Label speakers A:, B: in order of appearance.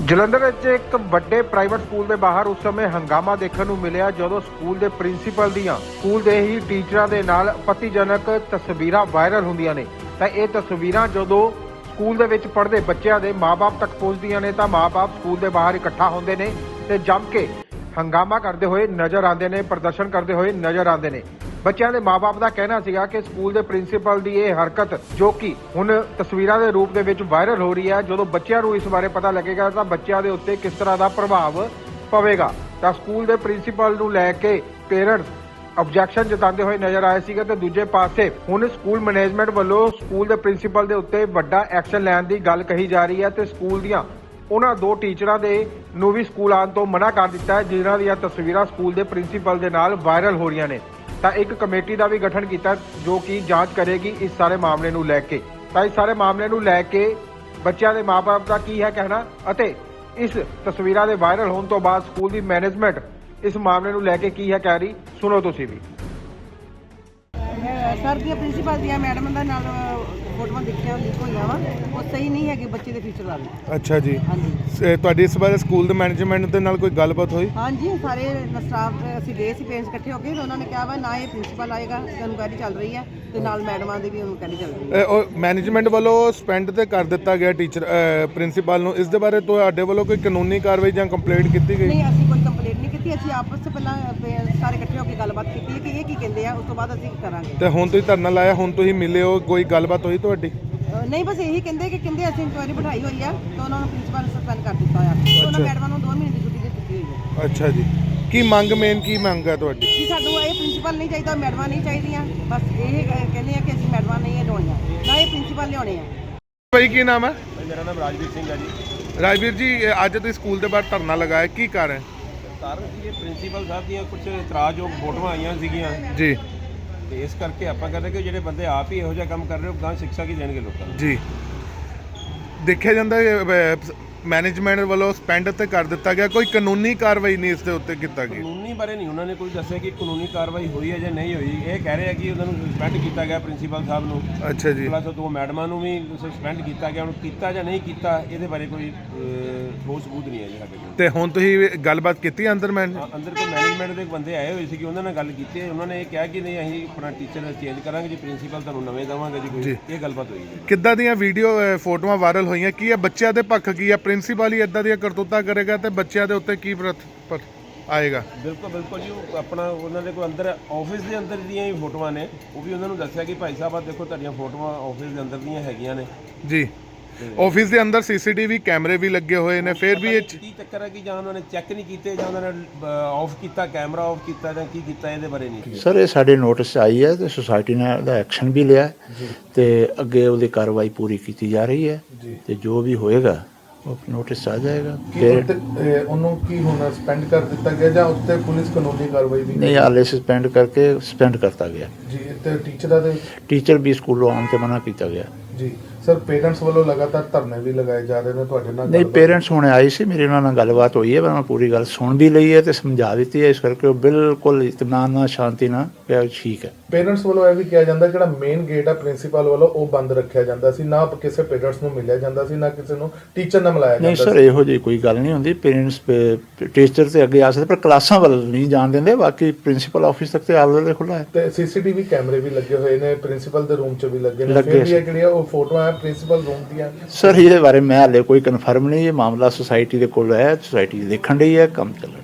A: ਜਲੰਧਰ ਵਿੱਚ ਇੱਕ ਵੱਡੇ ਪ੍ਰਾਈਵੇਟ ਸਕੂਲ ਦੇ ਬਾਹਰ ਉਸ ਸਮੇਂ ਹੰਗਾਮਾ ਦੇਖਣ ਨੂੰ ਮਿਲਿਆ ਜਦੋਂ ਸਕੂਲ ਦੇ ਪ੍ਰਿੰਸੀਪਲ ਦੀਆਂ ਸਕੂਲ ਦੇ ਹੀ ਟੀਚਰਾਂ ਦੇ ਨਾਲ ਆਪੱਤੀਜਨਕ ਤਸਵੀਰਾਂ ਵਾਇਰਲ ਹੁੰਦੀਆਂ ਨੇ। ਤਾਂ ਇਹ ਤਸਵੀਰਾਂ ਜਦੋਂ ਸਕੂਲ ਦੇ ਵਿੱਚ ਪੜ੍ਹਦੇ ਬੱਚਿਆਂ ਦੇ ਮਾਪੇ ਤੱਕ ਪਹੁੰਚਦੀਆਂ ਨੇ ਤਾਂ ਮਾਪੇ ਸਕੂਲ ਦੇ ਬਾਹਰ ਇਕੱਠਾ ਹੁੰਦੇ ਨੇ ਤੇ ਜੰਮ ਕੇ ਹੰਗਾਮਾ ਕਰਦੇ ਹੋਏ ਨਜ਼ਰ ਆਉਂਦੇ ਨੇ, ਪ੍ਰਦਰਸ਼ਨ ਕਰਦੇ ਹੋਏ ਨਜ਼ਰ ਆਉਂਦੇ ਨੇ। ਬੱਚਿਆਂ ਦੇ ਮਾਪੇ ਦਾ ਕਹਿਣਾ ਸੀਗਾ ਕਿ ਸਕੂਲ ਦੇ ਪ੍ਰਿੰਸੀਪਲ ਦੀ ਇਹ ਹਰਕਤ ਜੋ ਕਿ ਹੁਣ ਤਸਵੀਰਾਂ ਦੇ ਰੂਪ ਦੇ ਵਿੱਚ ਵਾਇਰਲ ਹੋ ਰਹੀ ਹੈ, ਜਦੋਂ ਬੱਚਿਆਂ ਨੂੰ ਇਸ ਬਾਰੇ ਪਤਾ ਲੱਗੇਗਾ ਤਾਂ ਬੱਚਿਆਂ ਦੇ ਉੱਤੇ ਕਿਸ ਤਰ੍ਹਾਂ ਦਾ ਪ੍ਰਭਾਵ ਪਵੇਗਾ। ਤਾਂ ਸਕੂਲ ਦੇ ਪ੍ਰਿੰਸੀਪਲ ਨੂੰ ਲੈ ਕੇ ਪੇਰੈਂਟਸ ਆਬਜੈਕਸ਼ਨ ਜਤਾਉਂਦੇ ਹੋਏ ਨਜ਼ਰ ਆਏ ਸੀਗੇ ਤੇ ਦੂਜੇ ਪਾਸੇ ਹੁਣ ਸਕੂਲ ਮੈਨੇਜਮੈਂਟ ਵੱਲੋਂ ਸਕੂਲ ਦੇ ਪ੍ਰਿੰਸੀਪਲ ਦੇ ਉੱਤੇ ਵੱਡਾ ਐਕਸ਼ਨ ਲੈਣ ਦੀ ਗੱਲ ਕਹੀ ਜਾ ਰਹੀ ਹੈ ਤੇ ਸਕੂਲ ਦੀਆਂ ਉਹਨਾਂ ਦੋ ਟੀਚਰਾਂ ਦੇ ਨੂੰ ਵੀ ਸਕੂਲ ਆਉਣ ਤੋਂ ਮਨਾ ਕਰ ਦਿੱਤਾ ਹੈ ਜਿਨ੍ਹਾਂ ਦੀਆਂ ਤਸਵੀਰਾਂ ਸਕੂਲ ਦੇ ਪ੍ਰਿੰਸੀਪਲ ਦੇ ਨਾਲ ਵਾਇਰਲ ਹੋ ਰਹੀਆਂ ਨੇ। ਤਾਂ ਇੱਕ ਕਮੇਟੀ ਦਾ ਵੀ ਗਠਨ ਕੀਤਾ ਜੋ ਕਿ ਜਾਂਚ ਕਰੇਗੀ ਇਸ ਸਾਰੇ ਮਾਮਲੇ ਨੂੰ ਲੈ ਕੇ। ਤਾਂ ਇਸ ਸਾਰੇ ਮਾਮਲੇ ਨੂੰ ਲੈ ਕੇ ਬੱਚਿਆਂ ਦੇ ਮਾਪੇ ਦਾ ਕੀ ਹੈ ਕਹਿਣਾ ਅਤੇ ਇਸ ਤਸਵੀਰਾਂ ਦੇ ਵਾਇਰਲ ਹੋਣ ਤੋਂ ਬਾਅਦ ਸਕੂਲ ਦੀ ਮੈਨੇਜਮੈਂਟ ਇਸ ਮਾਮਲੇ ਨੂੰ ਲੈ ਕੇ ਕੀ ਹੈ ਕਹਿ ਰਹੀ, ਸੁਣੋ ਤੁਸੀਂ ਵੀ।
B: ਸਰ ਦੀਆਂ ਪ੍ਰਿੰਸੀਪਲ ਦੀਆਂ ਮੈਡਮ ਦਾ ਨਾਲ ਫੋਟੋਆਂ ਦੇਖੀਆਂ ਲੀਕ ਹੋਈਆਂ ਵਾ, ਉਹ ਸਹੀ ਨਹੀਂ ਹੈਗੇ ਬੱਚੇ ਦੇ ਫਿਊਚਰ ਵਾਲੀ।
C: ਅੱਛਾ ਜੀ,
B: ਹਾਂਜੀ।
C: ਤੁਹਾਡੀ ਇਸ ਬਾਰੇ ਸਕੂਲ ਦੇ ਮੈਨੇਜਮੈਂਟ ਦੇ ਨਾਲ ਕੋਈ ਗੱਲਬਾਤ ਹੋਈ?
B: ਹਾਂਜੀ, ਸਾਰੇ ਸਟਾਫ ਅਸੀਂ ਗਏ ਸੀ ਪੇਰੈਂਟਸ ਇਕੱਠੇ ਹੋ ਕੇ, ਉਹਨਾਂ ਨੇ ਕਿਹਾ ਵਾ ਨਾ ਇਹ ਪ੍ਰਿੰਸੀਪਲ ਆਏਗਾ, ਇਨਕੁਆਇਰੀ ਚੱਲ ਰਹੀ ਹੈ ਤੇ ਨਾਲ ਮੈਡਮਾਂ ਦੀ ਵੀ ਇਨਕੁਆਇਰੀ ਚੱਲ ਰਹੀ ਹੈ।
C: ਉਹ ਮੈਨੇਜਮੈਂਟ ਵੱਲੋਂ ਸਸਪੈਂਡ ਤੇ ਕਰ ਦਿੱਤਾ ਗਿਆ ਟੀਚਰ ਪ੍ਰਿੰਸੀਪਲ ਨੂੰ, ਇਸ ਦੇ ਬਾਰੇ ਤੁਹਾਡੇ ਵੱਲੋਂ ਕੋਈ ਕਾਨੂੰਨੀ ਕਾਰਵਾਈ ਜਾਂ ਕੰਪਲੇਂਟ ਕੀਤੀ ਗਈ?
B: ਨਹੀਂ, ਅਸੀਂ ਕੋਈ ਕੰਪਲੇਂਟ ਨਹੀਂ ਕੀਤੀ, ਅਸੀਂ ਆਪਸ ਵਿੱਚ ਪਹਿਲਾਂ ਸਾਰੇ ਇਕੱਠੇ ਹੋ ਕੇ ਗੱਲਬਾਤ ਕੀਤੀ ਹੈ ਕਿ ਇਹ ਕੀ ਕਹਿੰਦੇ ਆ, ਉਸ ਤੋਂ ਬਾਅਦ ਅਸੀਂ ਕਰਾਂਗੇ।
C: ਤੇ ਹੁਣ ਤੁਸੀਂ ਧਰਨਾ ਲਾਇਆ, ਹੁਣ ਤੁਸੀਂ ਮਿਲੇ ਹੋ, ਕੋਈ ਗੱਲਬਾਤ ਹੋਈ ਤੁਹਾਡੀ?
B: ਨਹੀਂ, ਬਸ ਇਹੀ ਕਹਿੰਦੇ ਅਸੀਂ ਇਨਕੁਆਇਰੀ ਬਿਠਾਈ ਹੋਈ ਆ ਤੇ ਉਹਨਾਂ ਨੂੰ ਪ੍ਰਿੰਸੀਪਲ ਸਸਪੈਂਡ ਕਰ ਦਿੱਤਾ ਹੋਇਆ ਤੇ ਉਹਨਾਂ ਮੈਡਮਾਂ ਨੂੰ 2 ਮਹੀਨੇ ਦੀ ਛੁੱਟੀ ਦੇ ਦਿੱਤੀ ਹੋਈ ਹੈ।
C: ਅੱਛਾ ਜੀ, ਕੀ ਮੰਗ ਕੀ ਮੰਗ ਹੈ ਤੁਹਾਡੀ?
B: ਕਿ ਸਾਨੂੰ ਇਹ ਪ੍ਰਿੰਸੀਪਲ ਨਹੀਂ ਚਾਹੀਦਾ, ਮੈਡਮਾਂ ਨਹੀਂ ਚਾਹੀਦੀਆਂ, ਬਸ ਇਹ ਕਹਿੰਦੇ ਆ ਕਿ ਅਸੀਂ ਮੈਡਮਾਂ ਨਹੀਂ ਲਿਆਉਣੀਆਂ, ਨਾ ਇਹ ਪ੍ਰਿੰਸੀਪਲ ਲਿਆਉਣੇ ਆ।
C: ਭਾਈ ਕੀ ਨਾਮ ਹੈ?
D: ਮੇਰਾ ਨਾਮ ਰਾਜਵੀਰ ਸਿੰਘ ਹੈ ਜੀ।
C: ਰਾਜਵੀਰ ਜੀ, ਅੱਜ ਤੁਸੀਂ ਸਕੂਲ ਦੇ ਬਾਹਰ ਧਰਨਾ ਲਗਾਇਆ, ਕੀ ਕਾਰਨ?
D: ਕਾਰਨ ਸੀ ਇਹ ਪ੍ਰਿੰਸੀਪਲ ਸਾਹਿਬ ਦੀਆਂ ਕੁਝ ਇਤਰਾਜ਼ਯੋਗ ਫੋਟੋਆਂ ਆਈਆਂ ਸੀਗੀਆਂ
C: ਜੀ,
D: ਤੇ ਇਸ ਕਰਕੇ ਆਪਾਂ ਕਹਿੰਦੇ ਕਿ ਜਿਹੜੇ ਬੰਦੇ ਆਪ ਹੀ ਇਹੋ ਜਿਹਾ ਕੰਮ ਕਰ ਰਹੇ ਹੋ ਗਾਂ ਸਿੱਖਿਆ ਕੀ ਦੇਣਗੇ ਲੋਕਾਂ ਨੂੰ।
C: ਜੀ, ਦੇਖਿਆ ਜਾਂਦਾ ਮੈਨੇਜਮੈਂਟ ਵੱਲੋਂ ਸਸਪੈਂਡ ਤੇ ਕਰ ਦਿੱਤਾ ਗਿਆ, ਕੋਈ ਕਾਨੂੰਨੀ ਕਾਰਵਾਈ ਨਹੀਂ ਇਸ ਦੇ ਉੱਤੇ ਕੀਤਾ ਗਿਆ?
D: ਕਾਨੂੰਨੀ ਬਾਰੇ ਨਹੀਂ ਉਹਨਾਂ ਨੇ ਕੋਈ ਦੱਸਿਆ ਕਿ ਕਾਨੂੰਨੀ ਕਾਰਵਾਈ ਹੋਈ ਹੈ ਜਾਂ ਨਹੀਂ ਹੋਈ। ਇਹ ਕਹਿ ਰਹੇ ਆ ਕਿ ਉਹਨਾਂ ਨੂੰ ਸਸਪੈਂਡ ਕੀਤਾ ਗਿਆ ਪ੍ਰਿੰਸੀਪਲ ਸਾਹਿਬ ਨੂੰ।
C: ਅੱਛਾ ਜੀ,
D: ਪਲੱਸ 2 ਮੈਡਮਾਂ ਨੂੰ ਵੀ ਸਸਪੈਂਡ ਕੀਤਾ ਗਿਆ। ਹੁਣ ਕੀਤਾ ਜਾਂ ਨਹੀਂ ਕੀਤਾ ਇਹਦੇ ਬਾਰੇ ਕੋਈ ਠੋਸ ਸਬੂਤ ਨਹੀਂ ਹੈ ਜੀ ਸਾਡੇ ਕੋਲ।
C: ਤੇ ਹੁਣ ਤੁਸੀਂ ਗੱਲਬਾਤ ਕੀਤੀ ਅੰਦਰ
D: ਅੰਦਰ ਕੋਈ ਮੈਨੇਜਮੈਂਟ ਦੇ ਬੰਦੇ ਆਏ ਹੋਏ ਸੀ ਕਿ ਉਹਨਾਂ ਨਾਲ ਗੱਲ ਕੀਤੀ ਹੈ। ਉਹਨਾਂ ਨੇ ਇਹ ਕਿਹਾ ਕਿ ਨਹੀਂ ਅਸੀਂ ਆਪਣਾ ਟੀਚਰ ਚੇਂਜ ਕਰਾਂਗੇ ਜੀ, ਪ੍ਰਿੰਸੀਪਲ ਤੁਹਾਨੂੰ ਨਵੇਂ ਦੇਵਾਂਗੇ ਜੀ। ਕੋਈ ਇਹ ਗੱਲਬਾਤ ਹੋਈ ਜੀ।
C: ਕਿੱਦਾਂ ਦੀਆਂ ਵੀਡੀਓ ਫੋਟੋਆਂ ਵਾਇਰਲ ਹੋਈਆਂ, ਕੀ ਹੈ ਬੱਚਿਆਂ ਦੇ ਪੱਖ, ਕੀ ਹੈ ਪ੍ਰਿੰਸੀਪਲ ਹੀ ਇਦਾਂ ਦੀਆਂ ਕਰਤੂਤਾਂ ਕਰੇਗਾ ਤੇ ਬੱਚਿਆਂ ਦੇ ਉੱਤੇ ਕੀ ਆਏਗਾ?
D: ਬਿਲਕੁਲ ਜੀ, ਉਹ ਆਪਣਾ ਉਹਨਾਂ ਦੇ ਕੋਲ ਅੰਦਰ ਆਫਿਸ ਦੇ ਅੰਦਰ ਦੀਆਂ ਹੀ ਫੋਟੋਆਂ ਨੇ, ਉਹ ਵੀ ਉਹਨਾਂ ਨੂੰ ਦੱਸਿਆ ਕਿ ਭਾਈ ਸਾਹਿਬ ਆ ਦੇਖੋ ਤੁਹਾਡੀਆਂ ਫੋਟੋਆਂ ਆਫਿਸ ਦੇ ਅੰਦਰ ਦੀਆਂ ਹੈਗੀਆਂ ਨੇ
C: ਜੀ। ਆਫਿਸ ਦੇ ਅੰਦਰ ਸੀਸੀਟੀਵੀ ਕੈਮਰੇ ਵੀ ਲੱਗੇ ਹੋਏ ਨੇ, ਫਿਰ ਵੀ ਇਹ
D: ਕੀ ਚੱਕਰ ਹੈ ਕਿ ਜਾਂ ਉਹਨਾਂ ਨੇ ਚੈੱਕ ਨਹੀਂ ਕੀਤੇ ਜਾਂ ਉਹਨਾਂ ਨੇ ਆਫ ਕੀਤਾ, ਕੈਮਰਾ ਆਫ ਕੀਤਾ ਜਾਂ ਕੀ ਕੀਤਾ, ਇਹਦੇ ਬਾਰੇ ਨਹੀਂ
E: ਸਰ। ਇਹ ਸਾਡੇ ਨੋਟਿਸ ਆਈ ਹੈ ਤੇ ਸੁਸਾਇਟੀ ਨੇ ਉਹਦਾ ਐਕਸ਼ਨ ਵੀ ਲਿਆ ਤੇ ਅੱਗੇ ਉਹਦੀ ਕਾਰਵਾਈ ਪੂਰੀ ਕੀਤੀ ਜਾ ਰਹੀ ਹੈ ਤੇ ਜੋ ਵੀ ਹੋਏਗਾ ਉਹ ਨੋਟਿਸ ਆ ਜਾਏਗਾ।
C: ਉਹਨੂੰ ਕੀ ਹੋਣਾ, ਸਸਪੈਂਡ ਕਰ ਦਿੱਤਾ ਗਿਆ ਜਾਂ ਉੱਤੇ ਪੁਲਿਸ ਕਾਨੂੰਨੀ ਕਾਰਵਾਈ ਵੀ?
E: ਨਹੀਂ, ਹਾਲੇ ਸਸਪੈਂਡ ਕਰਤਾ ਗਿਆ
C: ਜੀ। ਤੇ ਟੀਚਰਾਂ ਦੇ
E: ਟੀਚਰ ਵੀ ਸਕੂਲੋਂ ਆਉਣ ਤੇ ਮਨਾ ਕੀਤਾ ਗਿਆ
C: ਜੀ। ਸਰ, ਪੇਰੈਂਟਸ ਵੱਲੋਂ ਲਗਾਤਾਰ ਧਰਨੇ ਵੀ ਲਗਾਏ ਜਾ ਰਹੇ ਨੇ, ਤੁਹਾਡੇ ਨਾਲ?
E: ਨਹੀਂ, ਪੇਰੈਂਟਸ ਹੁਣੇ ਆਏ ਸੀ, ਮੇਰੇ ਉਹਨਾਂ ਨਾਲ ਗੱਲਬਾਤ ਹੋਈ ਹੈ, ਮੈਂ ਪੂਰੀ ਗੱਲ ਸੁਣ ਵੀ ਲਈ ਹੈ ਤੇ ਸਮਝਾ ਦਿੱਤੀ ਹੈ, ਇਸ ਕਰਕੇ ਉਹ ਬਿਲਕੁਲ ਇਤਮਾਨ ਨਾਲ, ਸ਼ਾਂਤੀ ਨਾਲ ਕਿਹਾ ਠੀਕ ਹੈ।
C: ਪੇਰੈਂਟਸ ਵੱਲੋਂ ਇਹ ਵੀ ਕਿਹਾ ਜਾਂਦਾ ਜਿਹੜਾ ਮੇਨ ਗੇਟ ਆ ਪ੍ਰਿੰਸੀਪਲ ਵੱਲੋਂ ਉਹ ਬੰਦ ਰੱਖਿਆ ਜਾਂਦਾ ਸੀ, ਨਾ ਕਿਸੇ ਪੇਰੈਂਟਸ ਨੂੰ ਮਿਲਿਆ ਜਾਂਦਾ ਸੀ, ਨਾ ਕਿਸੇ ਨੂੰ ਟੀਚਰ ਨਾਲ ਮਿਲਾਇਆ ਜਾਂਦਾ ਸੀ।
E: ਨਹੀਂ ਸਰ, ਇਹੋ ਜਿਹੀ ਕੋਈ ਗੱਲ ਨਹੀਂ ਹੁੰਦੀ। ਪੇਰੈਂਟਸ ਟੀਚਰ ਤੇ ਅੱਗੇ ਆ ਸਕਦੇ ਪਰ ਕਲਾਸਾਂ ਵੱਲ ਨਹੀਂ ਜਾਣ ਦਿੰਦੇ, ਬਾਕੀ ਪ੍ਰਿੰਸੀਪਲ ਆਫਿਸ ਤੱਕ ਤੇ ਆਲਰੇਡੀ ਖੁੱਲ੍ਹਾ ਹੈ।
C: ਤੇ ਸੀਸੀਟੀਵੀ ਕੈਮਰੇ ਵੀ ਲੱਗੇ ਹੋਏ ਨੇ, ਪ੍ਰਿੰਸੀਪਲ ਦੇ ਰੂਮ 'ਚ ਵੀ ਲੱਗੇ ਨੇ, ਫਿਰ ਵੀ ਇਹ ਜਿਹੜੀਆਂ ਉਹ ਫੋਟੋਆਂ ਆ ਪ੍ਰਿੰਸੀਪਲ ਰੂਮ ਦੀਆਂ?
E: ਸਰ, ਇਹਦੇ ਬਾਰੇ ਮੈਂ ਹਾਲੇ ਕੋਈ ਕਨਫਰਮ ਨਹੀਂ, ਇਹ ਮਾਮਲਾ ਸੁਸਾਇਟੀ ਦੇ ਕੋਲ ਹੈ, ਸੁਸਾਇਟੀ ਦੇਖਣ ਰਹੀ ਹੈ, ਕੰਮ ਚੱਲ ਰਿਹਾ।